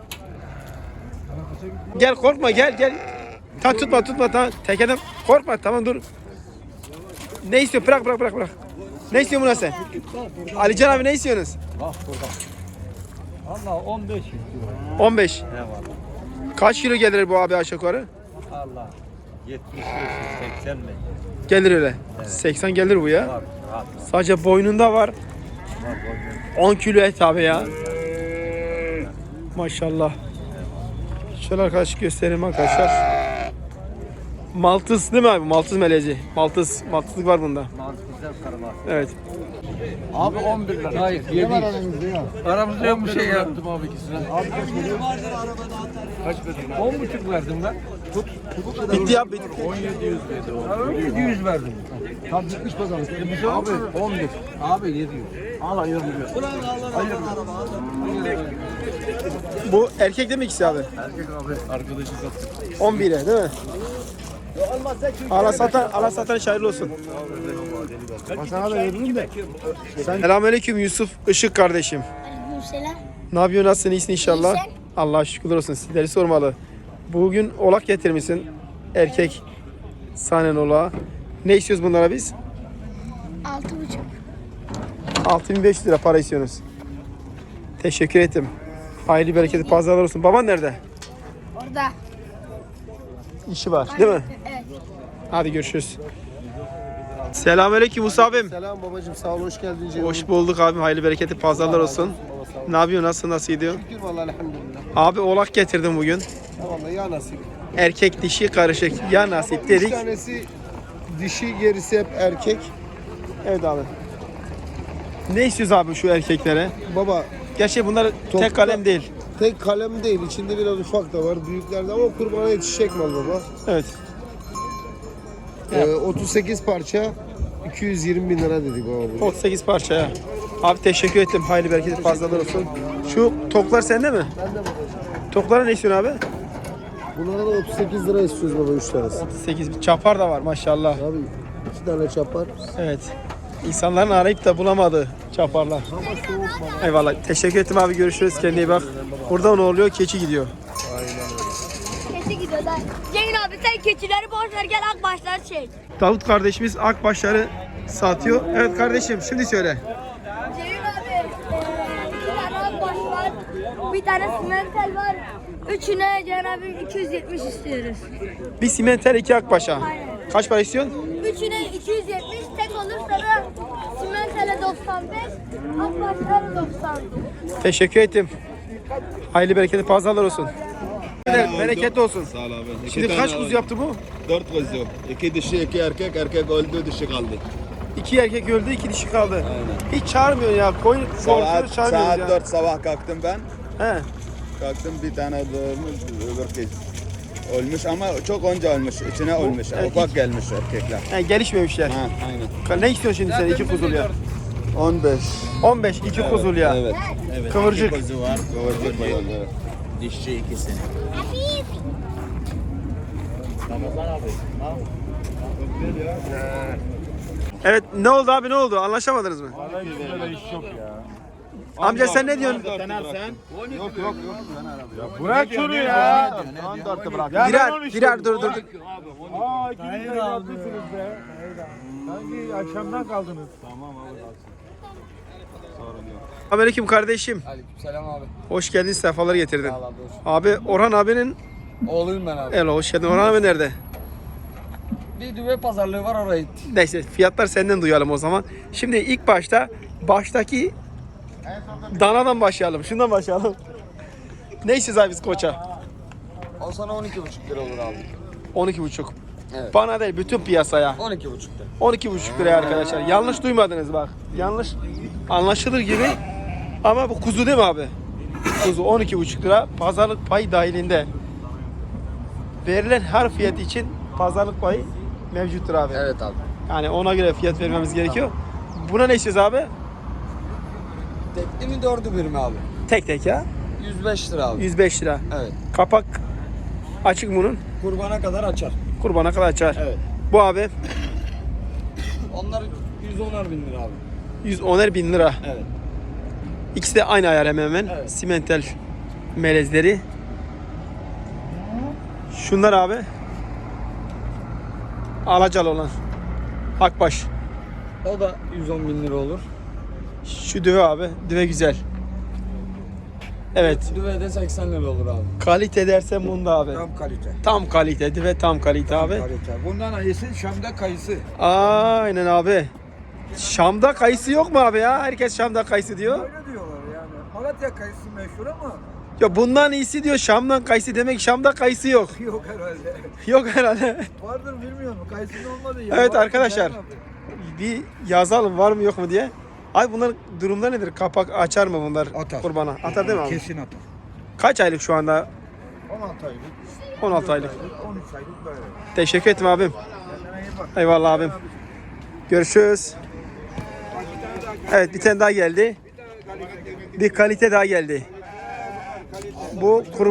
[SPEAKER 1] Gel korkma gel. Tutma tamam. Tekeden korkma tamam dur. Ne istiyor? Bırak. Ne istiyor buna sen? Alican abi ne istiyorsunuz?
[SPEAKER 10] Bak burada. Allah 15 istiyor.
[SPEAKER 1] 15.
[SPEAKER 10] Eyvallah.
[SPEAKER 1] Kaç kilo gelir bu abi aşağı yukarı?
[SPEAKER 10] Allah. 75 80 mi?
[SPEAKER 1] Gelir öyle. 80 gelir bu ya.
[SPEAKER 10] Var. Rahat.
[SPEAKER 1] Sadece boynunda var.
[SPEAKER 10] Var boyun.
[SPEAKER 1] 10 kilo et abi ya. Maşallah. Şöyle arkadaş göstereyim arkadaşlar. Maltız değil mi abi? Maltız melezi. Maltızlık var bunda.
[SPEAKER 10] Mantıklı karılar.
[SPEAKER 1] Evet.
[SPEAKER 10] Abi 11 lira. Hayır 7. Aramızda yok bir şey yaptım abi ikisine. Abi kaç verdin? 10,5 verdim ben.
[SPEAKER 1] Bitti ya bitti.
[SPEAKER 10] 700 verdim. Tam bitmiş pazarlık. Abi 11. Abi 700. Al ayırmıyor.
[SPEAKER 1] Bu erkek değil mi ikisi abi?
[SPEAKER 10] Erkek abi arkadaşı sattık.
[SPEAKER 1] 11'e değil mi? Ala satan şairli olsun.
[SPEAKER 5] Sana da veririm de.
[SPEAKER 1] Selamünaleyküm Yusuf Işık kardeşim.
[SPEAKER 6] Aleykümselam.
[SPEAKER 1] Ne yapıyorsun? Nasılsın? İyisin inşallah.
[SPEAKER 6] İyi sen?
[SPEAKER 1] Allah'a şükürler olsun. Sizleri sormalı. Bugün oğlak getirmişsin. Erkek sahnen oğlağı. Ne istiyoruz bunlara biz?
[SPEAKER 6] 6,5.
[SPEAKER 1] 6500 lira para istiyorsunuz. Teşekkür ettim. Hayırlı bereketli pazarlar olsun. Baban nerede?
[SPEAKER 6] Orada.
[SPEAKER 1] İşi var değil mi?
[SPEAKER 6] Evet.
[SPEAKER 1] Hadi görüşürüz. Selamünaleyküm Musa abim.
[SPEAKER 8] Selam babacığım sağ ol hoş geldin Ceyhun.
[SPEAKER 1] Hoş bulduk abim. Hayırlı bereketli pazarlar olsun.
[SPEAKER 8] Baba sağ ol.
[SPEAKER 1] Ne yapıyorsun? Nasıl gidiyor?
[SPEAKER 8] Şükür vallahi elhamdülillah.
[SPEAKER 1] Abi oğlak getirdim bugün.
[SPEAKER 8] Vallahi ya nasip.
[SPEAKER 1] Erkek dişi karışık. Ya nasip dedik.
[SPEAKER 8] Bir tanesi dişi gerisi hep erkek.
[SPEAKER 1] Evet abi. Ne istiyoruz abi şu erkeklere?
[SPEAKER 8] Baba
[SPEAKER 1] Gerçi bunlar
[SPEAKER 8] Topta-
[SPEAKER 1] tek kalem değil.
[SPEAKER 8] tek kalem değil içinde biraz ufak da var büyüklerde ama kurbana yetişecek mal baba.
[SPEAKER 1] Evet.
[SPEAKER 8] 38 parça 220 bin lira dedik baba bu.
[SPEAKER 1] 38 parçaya. Abi teşekkür ettim. Hayırlı bereketli fazlalar olsun. Şu toklar sende mi?
[SPEAKER 8] Ben de babacığım.
[SPEAKER 1] Toklara ne istiyorsun abi?
[SPEAKER 8] Bunlara da 38 lira istiyoruz baba 3 tanesi.
[SPEAKER 1] 38. Çapar da var maşallah.
[SPEAKER 8] Abi 2 tane çapar.
[SPEAKER 1] Evet. İnsanların arayıp da bulamadığı çaparlar. Eyvallah. Teşekkür ettim abi. Görüşürüz. Kendine iyi bak. Burada ne oluyor? Keçi gidiyor.
[SPEAKER 6] Keçi gidiyor da. Cengin abi sen keçileri boş ver gel akbaşları çek.
[SPEAKER 1] Davut kardeşimiz akbaşları satıyor. Evet kardeşim şimdi söyle.
[SPEAKER 6] Cengin abi 2 tane akbaş var. Bir tane simental var. Üçüne Cengin abi 270 istiyoruz.
[SPEAKER 1] Bir simental 2 akbaşa.
[SPEAKER 6] Aynen.
[SPEAKER 1] Kaç para istiyorsun?
[SPEAKER 6] Üçüne 270 tek olursa da simentale 95, akbaşlara 90.
[SPEAKER 1] Teşekkür ettim. Hayırlı bereketli pazarlar olsun. Bereketli olsun.
[SPEAKER 4] Sağ ol abi.
[SPEAKER 1] Şimdi kaç kuzu yaptı bu?
[SPEAKER 4] 4 kuzu. 2 dişi 2 erkek. Erkek öldü dişi kaldı.
[SPEAKER 1] 2 erkek öldü, 2 dişi kaldı. Hiç çağırmıyor ya. Koyun doğrusunu çağırmıyoruz ya.
[SPEAKER 4] 4 sabah kalktım ben.
[SPEAKER 1] He.
[SPEAKER 4] Kalktım bir tane doğurmuş öbür kez. Ölmüş ama çok önce ölmüş. İçine ölmüş.
[SPEAKER 1] Evet,
[SPEAKER 4] Ufak gelmiş erkekler.
[SPEAKER 1] He, gelişmemişler.
[SPEAKER 4] Ha, aynen.
[SPEAKER 1] Ne istiyorsun şimdi sen 2 kuzuluya?
[SPEAKER 4] 15.
[SPEAKER 1] 15 2 kuzuluya.
[SPEAKER 4] Evet. Evet.
[SPEAKER 1] Kıvırcık.
[SPEAKER 4] İki kuzu var. Kıvırcık bayan. Evet.
[SPEAKER 7] Dişçi ikisini.
[SPEAKER 1] Evet ne oldu abi ne oldu? Anlaşamadınız mı?
[SPEAKER 5] Böyle iş yok ya.
[SPEAKER 1] Amca sen ne diyorsun?
[SPEAKER 5] Bırak şunu ya.
[SPEAKER 1] Birer dur.
[SPEAKER 5] Aa 2 bin lira haklısınız be. Sanki akşamdan kaldınız.
[SPEAKER 1] Aleyküm kardeşim.
[SPEAKER 10] Aleykümselam abi.
[SPEAKER 1] Hoş geldin, sefalar getirdin.
[SPEAKER 10] Sağ ol abi.
[SPEAKER 1] Abi Orhan abinin
[SPEAKER 10] Oğluyum ben abi.
[SPEAKER 1] el hoş geldin. Orhan abi nerede?
[SPEAKER 10] Bir düve pazarlığı var oraya gitti.
[SPEAKER 1] Neyse fiyatlar senden duyalım o zaman. Şimdi ilk baştaki danadan başlayalım. Şundan başlayalım. Ne istiyoruz abi biz koça?
[SPEAKER 10] O sana 12,5 lira olur abi.
[SPEAKER 1] 12,5.
[SPEAKER 10] Evet.
[SPEAKER 1] Bana değil bütün piyasaya.
[SPEAKER 10] 12,5 lira.
[SPEAKER 1] 12,5 liraya arkadaşlar. Yanlış duymadınız bak. Yanlış anlaşılır gibi. Ama bu kuzu değil mi abi? Kuzu 12,5 lira. Pazarlık payı dahilinde. Verilen her fiyat için pazarlık payı mevcuttur abi.
[SPEAKER 10] Evet abi.
[SPEAKER 1] Yani ona göre fiyat vermemiz gerekiyor. Buna ne istiyoruz abi?
[SPEAKER 10] Tekli mi 4'ü bir mi abi?
[SPEAKER 1] Tek ya.
[SPEAKER 10] 105 lira abi.
[SPEAKER 1] 105 lira.
[SPEAKER 10] Evet.
[SPEAKER 1] Kapak açık bunun.
[SPEAKER 10] Kurbana kadar açar.
[SPEAKER 1] Kurbana kadar açar.
[SPEAKER 10] Evet.
[SPEAKER 1] Bu abi
[SPEAKER 10] Onlar 110'ar bin lira abi.
[SPEAKER 1] 110'er bin lira.
[SPEAKER 10] Evet.
[SPEAKER 1] İkisi de aynı ayar hemen hemen.
[SPEAKER 10] Evet.
[SPEAKER 1] Simental melezleri. Şunlar abi. Alacalı olan. Akbaş.
[SPEAKER 10] O da 110 bin lira olur.
[SPEAKER 1] Şu düve abi. Düve güzel. Evet.
[SPEAKER 10] Düve de 80 lira olur abi.
[SPEAKER 1] Kalite dersen bunda abi.
[SPEAKER 10] Tam kalite.
[SPEAKER 1] Tam kalite. Düve tam kalite abi.
[SPEAKER 10] Kalite. Bundan iyisi Şam'da kayısı.
[SPEAKER 1] Aynen abi. Şam'da kayısı yok mu abi ya? Herkes Şam'da kayısı diyor.
[SPEAKER 10] Öyle diyorlar yani. Malatya kayısı meşhur ama
[SPEAKER 1] Ya bundan iyisi diyor Şam'dan kayısı demek Şam'da kayısı yok.
[SPEAKER 10] yok herhalde.
[SPEAKER 1] Yok herhalde.
[SPEAKER 10] Vardır bilmiyorum. Kayısının olmadı ya.
[SPEAKER 1] Evet
[SPEAKER 10] Var,
[SPEAKER 1] arkadaşlar.
[SPEAKER 10] güzel abi.
[SPEAKER 1] Bir yazalım var mı yok mu diye. Ay bunlar durumda nedir? Kapak açar mı bunlar
[SPEAKER 10] Atar.
[SPEAKER 1] kurbana? Atar değil mi abi?
[SPEAKER 10] Kesin atar.
[SPEAKER 1] Kaç aylık şu anda?
[SPEAKER 10] 16 aylık.
[SPEAKER 1] 16 aylık.
[SPEAKER 10] 13 aylık böyle.
[SPEAKER 1] Teşekkür ederim abim.
[SPEAKER 10] Kendine iyi bak.
[SPEAKER 1] Eyvallah abim. Görüşürüz. Evet bir tane daha geldi. Bir kalite daha geldi. Bu kuru...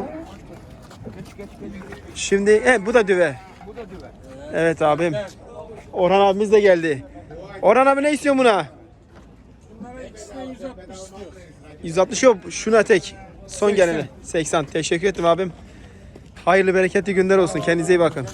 [SPEAKER 1] Şimdi bu da düve. Evet abim. Orhan abimiz de geldi. Orhan abi ne istiyor buna? 160 yok. Şuna tek. Son gelene. 80. Teşekkür ederim abim. Hayırlı bereketli günler olsun. Kendinize iyi bakın.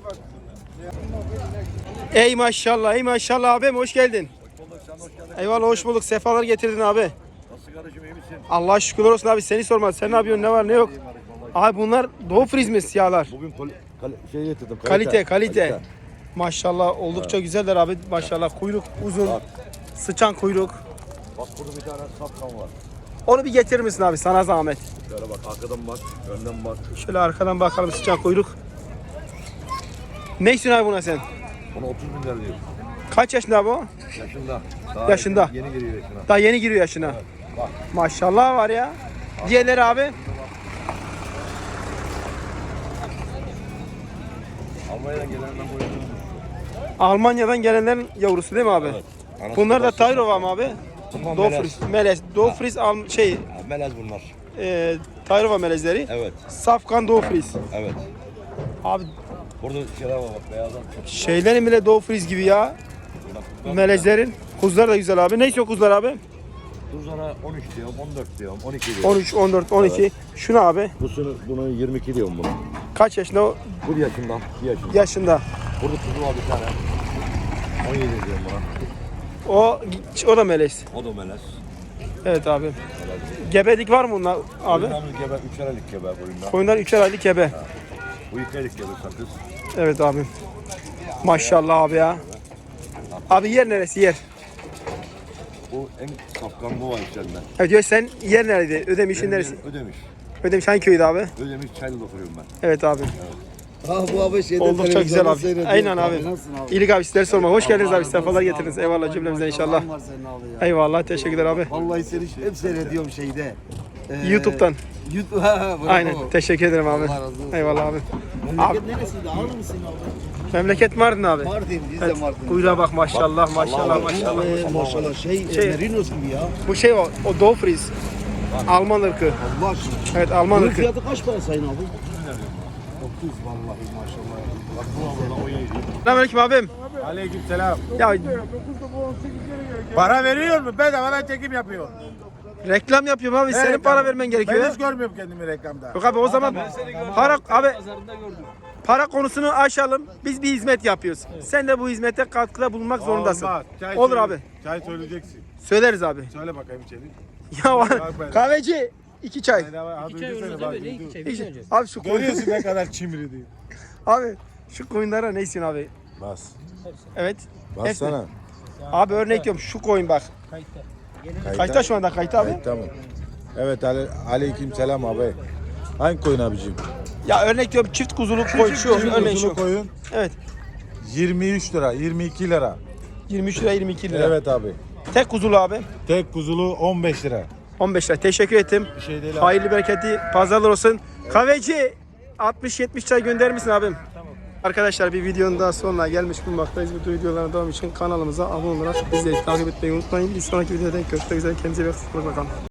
[SPEAKER 1] Ey maşallah, ey maşallah abim hoş geldin. Eyvallah hoş bulduk. Sefalar getirdin abi.
[SPEAKER 3] Nasıl kardeşim iyi misin?
[SPEAKER 1] Allah şükürler olsun abi. Seni sormadı. Sen ne yapıyorsun? Ne var ne yok? Abi bunlar Doğu Friz mi siyahlar?
[SPEAKER 4] Bugün şey getirdim.
[SPEAKER 1] Kalite. Maşallah oldukça güzeller abi. Maşallah kuyruk uzun. Sıçan kuyruk.
[SPEAKER 4] Bak burada bir tane safkan var.
[SPEAKER 1] Onu bir getirir misin abi sana zahmet?
[SPEAKER 4] Şöyle bak arkadan bak, önden bak.
[SPEAKER 1] Şöyle arkadan bakalım sıçan kuyruk. Ne istiyorsun abi buna sen?
[SPEAKER 4] Ona 30 bin lira diyor.
[SPEAKER 1] Kaç yaşında bu?
[SPEAKER 4] Yaşında.
[SPEAKER 1] Yaşında.
[SPEAKER 4] Yeni giriyor yaşına.
[SPEAKER 1] Daha yeni giriyor yaşına.
[SPEAKER 4] Bak.
[SPEAKER 1] Maşallah var ya. Diğerleri abi.
[SPEAKER 4] Almanya'dan gelenden koyuyorum.
[SPEAKER 1] Almanya'dan gelenlerin yavrusu değil mi abi?
[SPEAKER 4] Evet. Anası
[SPEAKER 1] Bunlar da
[SPEAKER 4] babası
[SPEAKER 1] Tayrova mı abi?
[SPEAKER 4] Bunlar
[SPEAKER 1] Doğu
[SPEAKER 4] melez.
[SPEAKER 1] Friz. Melez. Doğu Friz
[SPEAKER 4] Melez bunlar.
[SPEAKER 1] Tayrova melezleri.
[SPEAKER 4] Evet.
[SPEAKER 1] Safkan Doğu Friz.
[SPEAKER 4] Evet.
[SPEAKER 1] Abi
[SPEAKER 4] Burada şeyler var bak beyazdan.
[SPEAKER 1] şeylerin bile Doğu Friz gibi ya. Melezlerin. Kuzular da güzel abi. Ne istiyor kuzular abi?
[SPEAKER 4] Tuzlara 13 diyorum, 14 diyorum, 12 diyorum.
[SPEAKER 1] 13, 14, 12.
[SPEAKER 4] Evet.
[SPEAKER 1] Şunu abi.
[SPEAKER 4] Bunu 22 diyorum bunu.
[SPEAKER 1] Kaç yaşında o?
[SPEAKER 4] 1 yaşında, 1 yaşında.
[SPEAKER 1] Yaşında.
[SPEAKER 4] Burada tuzu var bir tane. 17 diyorum buna.
[SPEAKER 1] O da melez.
[SPEAKER 4] O da melez.
[SPEAKER 1] Evet abi. Gebelik var mı bunlar abi?
[SPEAKER 4] Koyunlarımız gebe, 3'er aylık gebe koyunlar.
[SPEAKER 1] Koyunlar 3'er aylık gebe.
[SPEAKER 4] Bu 2 aylık gebe sakız.
[SPEAKER 1] Evet abi. Maşallah abi ya. Abi yer neresi yer?
[SPEAKER 4] Bu en safkan bu var içeride.
[SPEAKER 1] Evet diyor sen yer nerede? Ödemiş'in neresi?
[SPEAKER 4] Ödemiş.
[SPEAKER 1] Ödemiş hangi köyde abi?
[SPEAKER 4] Ödemiş Çaylı'da oturuyorum ben.
[SPEAKER 1] Evet abi.
[SPEAKER 8] Bu abi şeyde
[SPEAKER 1] Oldukça güzel abi. Aynen abi. İyilik abi sizleri sorma. Hoş geldiniz abi. Sefalar getirdiniz. Eyvallah cümlemize inşallah. Eyvallah. Teşekkürler abi.
[SPEAKER 8] Vallahi seni hep seyrediyorum şeyde.
[SPEAKER 1] YouTube'dan.
[SPEAKER 8] YouTube. Bravo.
[SPEAKER 1] Aynen. Teşekkür ederim abi.
[SPEAKER 8] Allah razı olsun.
[SPEAKER 1] Eyvallah abi.
[SPEAKER 8] Memleket neresiydi? Ağrı mısın abi?
[SPEAKER 1] Memleket Mardin abi.
[SPEAKER 8] Mardin, biz de
[SPEAKER 1] Evet.
[SPEAKER 8] Mardin.
[SPEAKER 1] Kuyruğa bak maşallah maşallah maşallah.
[SPEAKER 8] Maşallah şey, Merinos gibi ya.
[SPEAKER 1] Bu şey o Doğu Friz. Alman ırkı.
[SPEAKER 8] Allah aşkına.
[SPEAKER 1] Evet Alman
[SPEAKER 8] Bunun
[SPEAKER 1] ırkı.
[SPEAKER 8] fiyatı kaç para sayın abi? 30 vallahi maşallah. Bak bu abla 17.
[SPEAKER 1] Selamünaleyküm abim.
[SPEAKER 5] Aleykümselam.
[SPEAKER 1] Ya
[SPEAKER 5] Para veriyor mu? Bedavadan çekim yapıyor.
[SPEAKER 1] reklam yapıyorum abi. Senin para vermen gerekiyor.
[SPEAKER 5] Ben hiç görmüyorum kendimi reklamda.
[SPEAKER 1] Yok abi o zaman para konusunu aşalım. Biz bir hizmet yapıyoruz. Sen de bu hizmete katkıda bulunmak zorundasın.
[SPEAKER 5] Olmaz. Çay
[SPEAKER 1] Olur
[SPEAKER 5] söyle-
[SPEAKER 1] abi.
[SPEAKER 5] Çay söyleyeceksin.
[SPEAKER 1] Söyleriz abi.
[SPEAKER 5] Söyle bakayım içeri.
[SPEAKER 1] Ya kahveci 2 çay.
[SPEAKER 5] İki çay olursa böyle iki çay.
[SPEAKER 1] Abi şu koyun.
[SPEAKER 5] Görüyorsun ne kadar çimri diyor.
[SPEAKER 1] Abi şu koyunlara ne istiyorsun abi?
[SPEAKER 4] Bas.
[SPEAKER 1] Evet.
[SPEAKER 4] Bassana.
[SPEAKER 1] Abi örnek diyorum şu koyun bak. Kayıtta şu anda kayıtta abi.
[SPEAKER 4] Tamam. Evet aleyküm selam abi. Hangi koyun abicim?
[SPEAKER 1] Ya örnek diyorum çift kuzuluk koyun şu örnek şu.
[SPEAKER 4] koyun.
[SPEAKER 1] Evet.
[SPEAKER 4] 23 lira, 22 lira.
[SPEAKER 1] 23 lira 22 lira.
[SPEAKER 4] Evet abi.
[SPEAKER 1] Tek kuzulu abi.
[SPEAKER 4] Tek kuzulu 15 lira.
[SPEAKER 1] 15 lira. Teşekkür ettim.
[SPEAKER 4] Bir şey değil abi.
[SPEAKER 1] Hayırlı bereketli pazarlar olsun. Kahveci 60-70 çay gönderir misin abim? Tamam. Arkadaşlar bir videonun daha sonuna gelmiş bulunmaktayız. Bu videoların devamı için kanalımıza abone olarak bizleri takip etmeyi unutmayın. Bir sonraki videoda görüşmek üzere. Kendinize iyi bakın.